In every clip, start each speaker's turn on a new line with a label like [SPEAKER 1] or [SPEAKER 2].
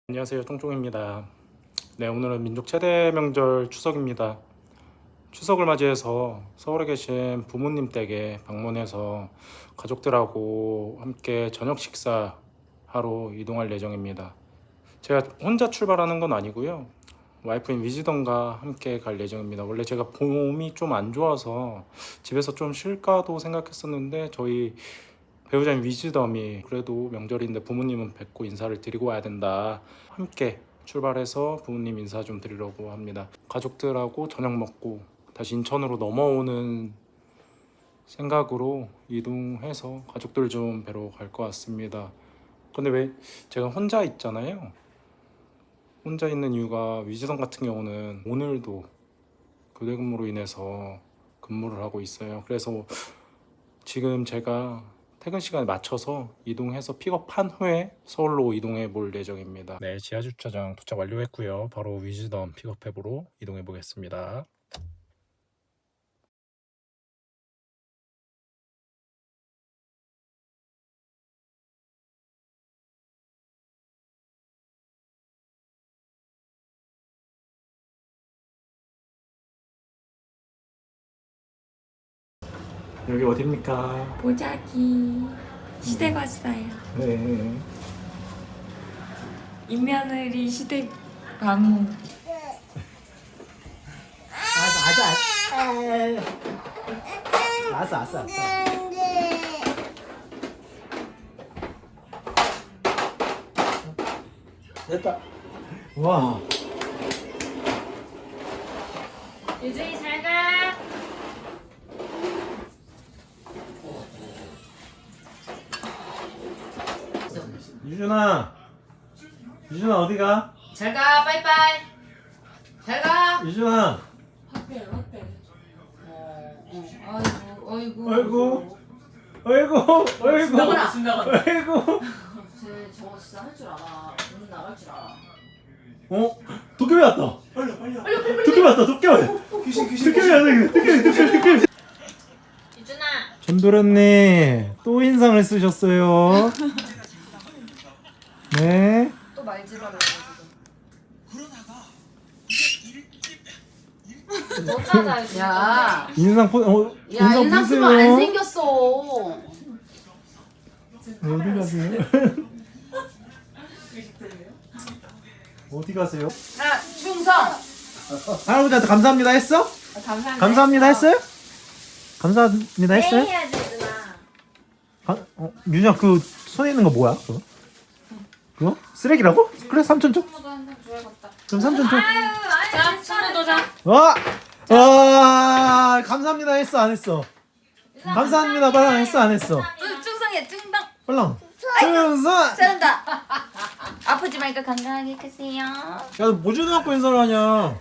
[SPEAKER 1] 안녕하세요, 쫑쫑입니다. 네, 오늘은 민족 최대 명절 추석입니다. 추석을 맞이해서 서울에 계신 부모님 댁에 방문해서 가족들하고 함께 저녁 식사하러 이동할 예정입니다. 제가 혼자 출발하는 건 아니고요, 와이프인 위즈덤과 함께 갈 예정입니다. 원래 제가 몸이 좀 안 좋아서 집에서 좀 쉴까도 생각했었는데, 저희 배우자인 위즈덤이 그래도 명절인데 부모님은 뵙고 인사를 드리고 와야 된다, 함께 출발해서 부모님 인사 좀 드리려고 합니다. 가족들하고 저녁 먹고 다시 인천으로 넘어오는 생각으로 이동해서 가족들 좀 뵈러 갈 것 같습니다. 근데 왜 제가 혼자 있잖아요. 혼자 있는 이유가, 위즈덤 같은 경우는 오늘도 교대 근무로 인해서 근무를 하고 있어요. 그래서 지금 제가 퇴근 시간에 맞춰서 이동해서 픽업한 후에 서울로 이동해 볼 예정입니다. 네, 지하 주차장 도착 완료했고요. 바로 위즈덤 픽업앱으로 이동해 보겠습니다. 여기 어디입니까?
[SPEAKER 2] 보자기 시댁 왔어요.
[SPEAKER 1] 네.
[SPEAKER 2] 인며느리 시댁 방문.
[SPEAKER 3] 알았어. 됐다. 와.
[SPEAKER 2] 유준이 잘 가.
[SPEAKER 3] 유준아 어디가?
[SPEAKER 4] 잘 가, 빠이빠이. 잘 가.
[SPEAKER 3] 유준아.
[SPEAKER 2] 어때?
[SPEAKER 4] 아이고.
[SPEAKER 3] 아이고.
[SPEAKER 4] 순다거나.
[SPEAKER 3] 아이고.
[SPEAKER 4] 쟤 저거 진짜 할 줄 알아. 오늘 나갈 줄 알아.
[SPEAKER 3] 어? 도깨비 왔다. 도깨비 왔다. 도깨비 왔다.
[SPEAKER 4] 유준아.
[SPEAKER 3] 전도련님 또 인상을 쓰셨어요. 네.
[SPEAKER 4] 또 말지랄을 지금. 너 찾아. 야.
[SPEAKER 3] 인상
[SPEAKER 4] 야, 인상 쓰면 안
[SPEAKER 3] 보세요.
[SPEAKER 4] 생겼어.
[SPEAKER 3] 어디 가세요? 어디 가세요?
[SPEAKER 4] 하나, 충성.
[SPEAKER 3] 할아버지한테 감사합니다 했어? 감사합니다 했어요? 감사합니다 했어요?
[SPEAKER 2] 해야지 유준아.
[SPEAKER 3] 유진아 그 손에 있는 거 뭐야? 그거? 쓰레기라고? 그래 삼촌 줘. 그럼 삼촌 줘.
[SPEAKER 2] 자, 친구도 자.
[SPEAKER 3] 감사합니다 했어 안 했어? 감사합니다 빨랑 했어 안 했어?
[SPEAKER 4] 충성해, 충성.
[SPEAKER 3] 빨랑. 충성.
[SPEAKER 4] 잘한다. 아프지 말고 건강하게 크세요.
[SPEAKER 3] 야뭐 주고받고 인사를 하냐?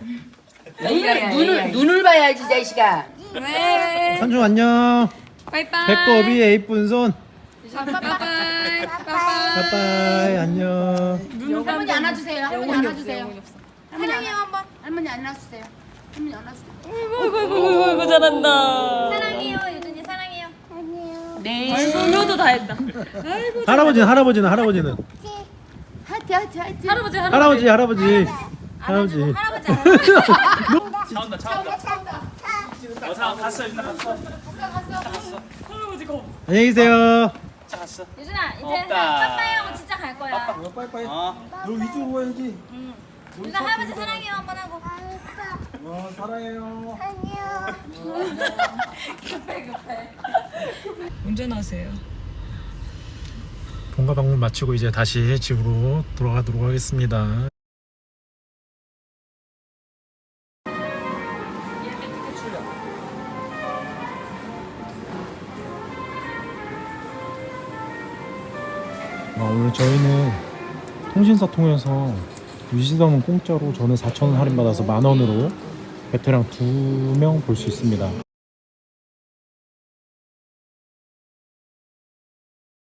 [SPEAKER 4] 눈을 봐야지, 자식아.
[SPEAKER 2] 네.
[SPEAKER 3] 삼촌 안녕.
[SPEAKER 2] 빠이빠이.
[SPEAKER 3] 배꼽이 예쁜 손.
[SPEAKER 2] 빠이빠이.
[SPEAKER 3] 빠빠이 안녕.
[SPEAKER 4] 할머니 안아주세요. 할머니 안아주세요. 사랑해요 한번. 할머니 안아주세요. 할머니 안아주세요.
[SPEAKER 2] 아이고 잘한다.
[SPEAKER 5] 사랑해요 유준이 사랑해요.
[SPEAKER 2] 네. 아이고 효도 다 했다. 아이고
[SPEAKER 3] 할아버지는
[SPEAKER 5] 하트.
[SPEAKER 2] 할아버지
[SPEAKER 3] 할아버지.
[SPEAKER 5] 할아버지
[SPEAKER 2] 할아버지 거.
[SPEAKER 3] 안녕히 계세요.
[SPEAKER 5] 유준아 이제 빠빠이 하고 진짜 갈 거야.
[SPEAKER 3] 빠이빠이. 너 위주로 가야지.
[SPEAKER 5] 유준아 할아버지 사랑해요 한번 하고.
[SPEAKER 3] 사랑해요.
[SPEAKER 2] 운전하세요.
[SPEAKER 1] 본가 방문 마치고 이제 다시 집으로 돌아가도록 하겠습니다. 오늘 저희는 통신사 통해서 위즈덤은 공짜로, 저는 4,000원 할인받아서 10,000원으로 베테랑 2명 볼 수 있습니다.